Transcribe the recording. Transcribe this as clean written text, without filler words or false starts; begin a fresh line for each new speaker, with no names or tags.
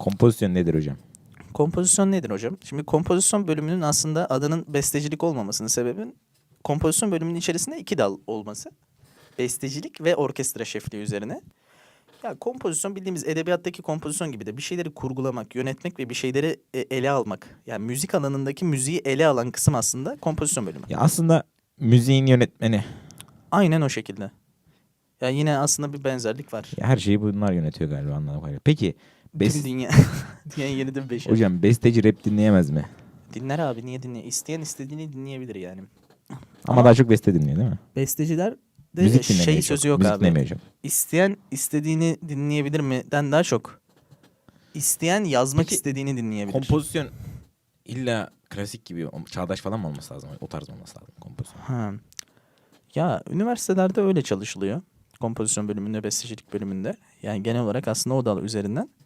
Kompozisyon nedir hocam?
Kompozisyon nedir hocam? Şimdi kompozisyon bölümünün aslında adının bestecilik olmamasının sebebin kompozisyon bölümünün içerisinde 2 dal olması. Bestecilik ve orkestra şefliği üzerine. Ya kompozisyon bildiğimiz edebiyattaki kompozisyon gibi de bir şeyleri kurgulamak, yönetmek ve bir şeyleri ele almak. Yani müzik alanındaki müziği ele alan kısım aslında kompozisyon bölümü.
Ya aslında müziğin yönetmeni.
Aynen o şekilde. Ya yine aslında bir benzerlik var.
Ya her şeyi bunlar yönetiyor galiba anladığım kadarıyla. Peki
Tüm dünya, dünyanın yeniden beşer.
hocam besteci rap dinleyemez mi?
Dinler abi, niye dinle? İsteyen istediğini dinleyebilir yani.
Ama daha çok beste dinliyor değil mi?
Besteciler de
Müzik dinlemiyor
şey
çok.
sözü yok
Müzik
abi.
dinlemiyor hocam.
İsteyen istediğini dinleyebilir mi'den daha çok. İsteyen yazmak
Peki,
istediğini dinleyebilir.
Kompozisyon illa klasik gibi çağdaş falan mı olması lazım? O tarz mı olması lazım kompozisyon?
Ha. Ya üniversitelerde öyle çalışılıyor. Kompozisyon bölümünde, bestecilik bölümünde. Yani genel olarak aslında o dal üzerinden.